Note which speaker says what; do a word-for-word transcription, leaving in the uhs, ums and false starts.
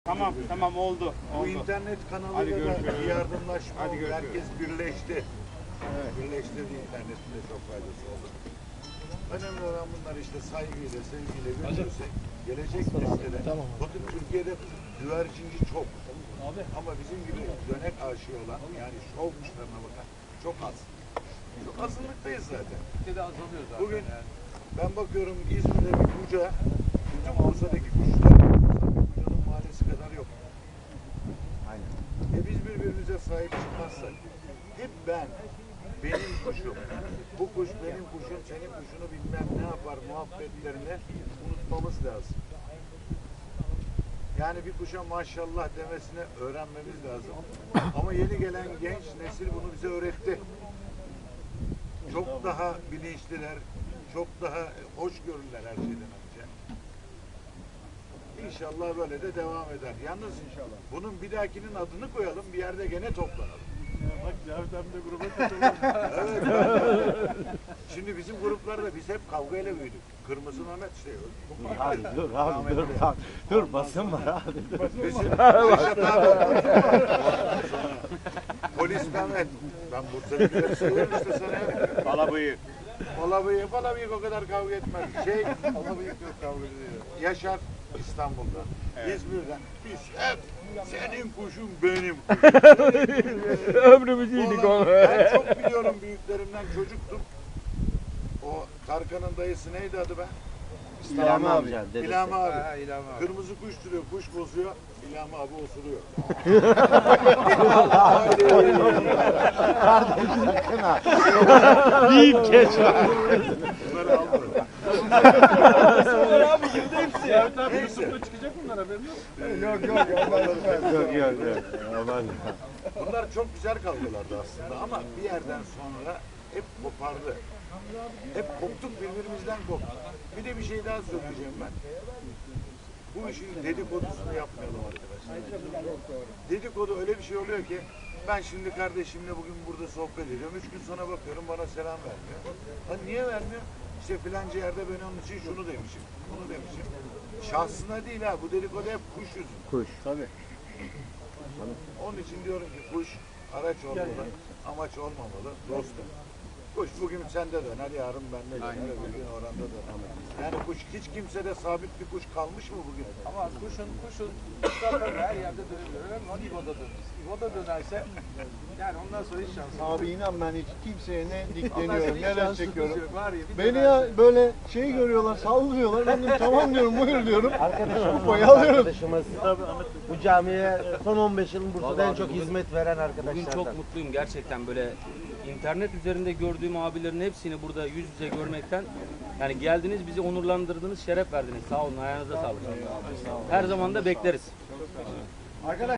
Speaker 1: Tamam tamam oldu.
Speaker 2: Bu
Speaker 1: oldu.
Speaker 2: internet
Speaker 1: Hadi
Speaker 2: kanalıyla da
Speaker 1: görüşürüz.
Speaker 2: bir yardımlaşma
Speaker 1: Hadi
Speaker 2: oldu.
Speaker 1: görüşürüz.
Speaker 2: Herkes birleşti. Evet. Birleştirdi, internetin de çok faydası oldu. Önemli olan bunlar işte saygıyla, sevgiyle götürürsek gelecek nesillere. Tamam. Bakın Türkiye'de güvercinci çok. Abi. Ama bizim gibi dönek aşığı olan, yani şov kuşlarına bakan çok az. Çok azınlıktayız zaten.
Speaker 3: Türkiye'de azalıyor zaten.
Speaker 2: Bugün
Speaker 3: yani.
Speaker 2: ben bakıyorum İzmir'de bir kuca, bütün Bursa'daki kuşlar, bir kucanın mahallesi kadar yok.
Speaker 1: Aynen.
Speaker 2: E biz birbirimize sahip çıkmazsak, hep ben, benim kuşum, bu kuş benim kuşum, senin kuşunu bilmem ne yapar muhabbetlerini unutmamız lazım. Yani bir kuşa maşallah demesini öğrenmemiz lazım. Ama yeni gelen genç nesil bunu bize öğretti. Çok daha bilinçliler, çok daha hoşgörüler her şeyden önce. İnşallah böyle de devam eder. Yalnız inşallah bunun bir dahakinin adını koyalım, bir yerde gene toplanalım.
Speaker 4: Ya bak Cavit abi de gruba katılıyor.
Speaker 2: Evet. Ben, şimdi bizim gruplarda biz hep kavgayla büyüdük. Kırmızı Mehmet işte.
Speaker 1: Abi dur abi dur. Dur, dur basın var abi.
Speaker 2: Bizim Reşat abi. Polis Mehmet. Ben Bursa'dakileri söylüyorum işte sana.
Speaker 1: Bala bıyık.
Speaker 2: Bala bıyık, bala bıyık o kadar kavga etmez. Şey,
Speaker 3: Ama büyük yok kavga ediyor.
Speaker 2: Yaşar İstanbul'dan, evet. İzmir'den. Biz hep senin kuşun benim kuşum.
Speaker 4: Ömrümüzü yedik onu.
Speaker 2: Ben çok biliyorum büyüklerimden, çocuktum. O Tarkan'ın dayısı neydi adı be?
Speaker 1: İlhami amca.
Speaker 2: İlhami abi.
Speaker 3: Ha, İlhami abi.
Speaker 2: Kırmızı kuş duruyor, kuş bozuyor. İlhami abi osuruyor.
Speaker 1: Büyük keş var.
Speaker 2: Bunları aldı.
Speaker 4: abi girdi hepsi. Cavit abi
Speaker 2: Neyse.
Speaker 4: YouTube'da çıkacak bunlar haberin yok.
Speaker 2: Yok yok.
Speaker 1: Yok yok yok. Aman.
Speaker 2: Bunlar çok güzel kavgalardı aslında ama bir yerden sonra hep kopardı. Hep koptuk, birbirimizden koptuk. Bir de bir şey daha söyleyeceğim ben. Bu işin dedikodusunu yapmayalım arkadaşlar. Dedikodu öyle bir şey oluyor ki ben şimdi kardeşimle bugün burada sohbet ediyorum. Üç gün sonra bakıyorum bana selam vermiyor. Ha niye vermiyor? İşte filanca yerde ben onun için şunu demişim, bunu demişim. Şahsına değil ha, bu dedikodu hep kuş yüzünden.
Speaker 1: Kuş. Tabii.
Speaker 2: Onun için diyorum ki kuş araç olmalı, amaç olmamalı, dostum. Kuş bugün sende döner, yarın bende döner, öbür gün oranda döner. Yani kuş hiç kimsede sabit bir kuş kalmış mı bugün?
Speaker 3: Ama kuşun kuşun zaten her yerde dönebilir. Önemli olan İbo'da dönmesi. İbo'da dönerse yani ondan sonra hiç şansı yok.
Speaker 5: Abi inan ben hiç kimseye ne
Speaker 3: Ondan sonra
Speaker 5: dikleniyorum,
Speaker 3: hiç
Speaker 5: neler
Speaker 3: şansımız
Speaker 5: çekiyorum.
Speaker 3: yok. Var ya, bir
Speaker 5: Beni
Speaker 3: dönerse-
Speaker 5: ya böyle şey görüyorlar, saldırıyorlar. Ben de tamam diyorum, buyur diyorum.
Speaker 6: Arkadaşımız,
Speaker 5: Kupayı alıyorum.
Speaker 6: arkadaşımız bu camiye son on beş yılın Bursa'da en çok hizmet veren
Speaker 7: Bugün
Speaker 6: arkadaşlardan.
Speaker 7: çok mutluyum gerçekten, böyle internet üzerinde gördüğüm abilerin hepsini burada yüz yüze görmekten, yani geldiniz, bizi onurlandırdınız, şeref verdiniz. Sağ olun, ayağınıza sağlık. Her zaman da bekleriz.